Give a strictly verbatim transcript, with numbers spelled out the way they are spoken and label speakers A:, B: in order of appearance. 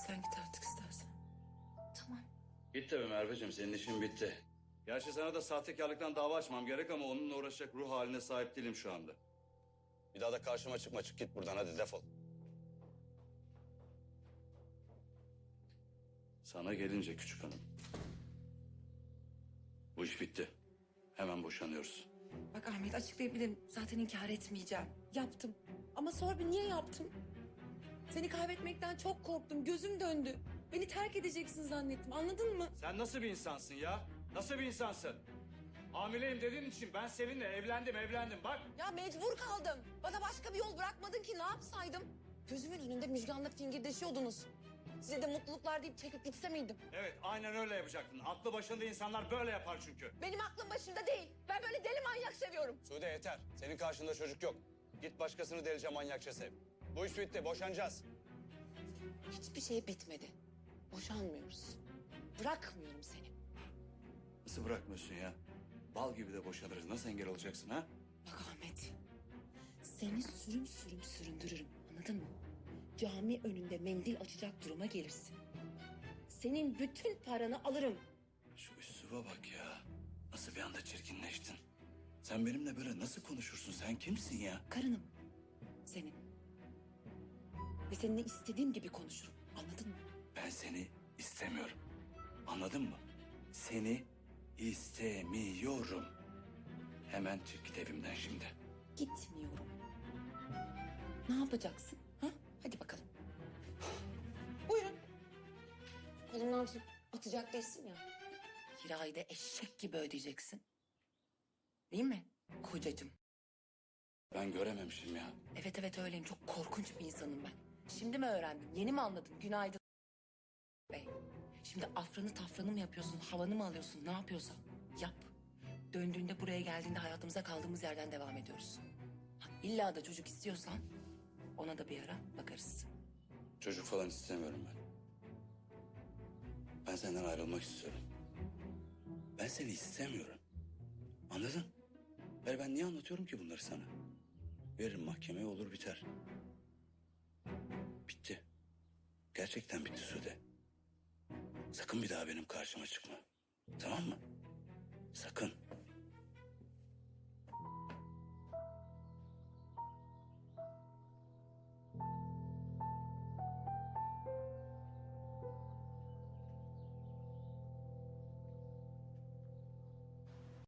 A: sen git artık istersen.
B: Tamam.
C: Git tabii Merveciğim, senin işin bitti. Gerçi sana da sahtekarlıktan dava açmam gerek ama onunla uğraşacak ruh haline sahip değilim şu anda. Bir daha da karşıma çıkma, çık git buradan, hadi defol. Sana gelince küçük hanım. Bu iş bitti. Hemen boşanıyoruz.
A: Bak Ahmet, açıklayabilirim. Zaten inkar etmeyeceğim. Yaptım. Ama sor bir, niye yaptım? Seni kaybetmekten çok korktum. Gözüm döndü. Beni terk edeceksin zannettim. Anladın mı?
C: Sen nasıl bir insansın ya? Nasıl bir insansın? Hamileyim dediğin için ben seninle evlendim, evlendim bak.
A: Ya mecbur kaldım. Bana başka bir yol bırakmadın ki, ne yapsaydım? Gözümün önünde Müjgan'la fingirdeşiyordunuz. Size de mutluluklar deyip çekip gitse miydim?
C: Evet, aynen öyle yapacaktın. Aklı başında insanlar böyle yapar çünkü.
A: Benim aklım başımda değil. Ben böyle deli manyak seviyorum.
C: Sude yeter. Senin karşında çocuk yok. Git başkasını delice manyakça sev. Bu iş bitti, boşanacağız.
A: Hiçbir şey bitmedi. Boşanmıyoruz. Bırakmıyorum seni.
C: Nasıl bırakmıyorsun ya? Bal gibi de boşanırız. Nasıl engel olacaksın ha?
A: Bak Ahmet, seni sürüm sürüm süründürürüm, anladın mı? Cami önünde mendil açacak duruma gelirsin. Senin bütün paranı alırım.
C: Şu üsluba bak ya. Nasıl bir anda çirkinleştin. Sen benimle böyle nasıl konuşursun? Sen kimsin ya?
A: Karınım senin. Ve seninle istediğim gibi konuşurum, anladın mı?
C: Ben seni istemiyorum. Anladın mı? Seni istemiyorum. Hemen çık git evimden şimdi.
A: Gitmiyorum. Ne yapacaksın? Ha? Hadi bakalım. Buyurun. Kolumdan tutup atacak değilsin ya. Kirayı da eşek gibi ödeyeceksin. Değil mi kocacığım?
C: Ben görememişim ya.
A: Evet evet öyleyim. Çok korkunç bir insanım ben. Şimdi mi öğrendim? Yeni mi anladın? Günaydın bey. Şimdi afranı tafranı mı yapıyorsun? Havanı mı alıyorsun? Ne yapıyorsan yap. Döndüğünde, buraya geldiğinde hayatımıza kaldığımız yerden devam ediyoruz. Ha, illa da çocuk istiyorsan ona da bir ara bakarız.
C: Çocuk falan istemiyorum ben. Ben senden ayrılmak istiyorum. Ben seni istemiyorum. Anladın? Yani ben niye anlatıyorum ki bunları sana? Veririm mahkemeye, olur biter. Bitti. Gerçekten bitti Sude. Sakın bir daha benim karşıma çıkma. Tamam mı? Sakın.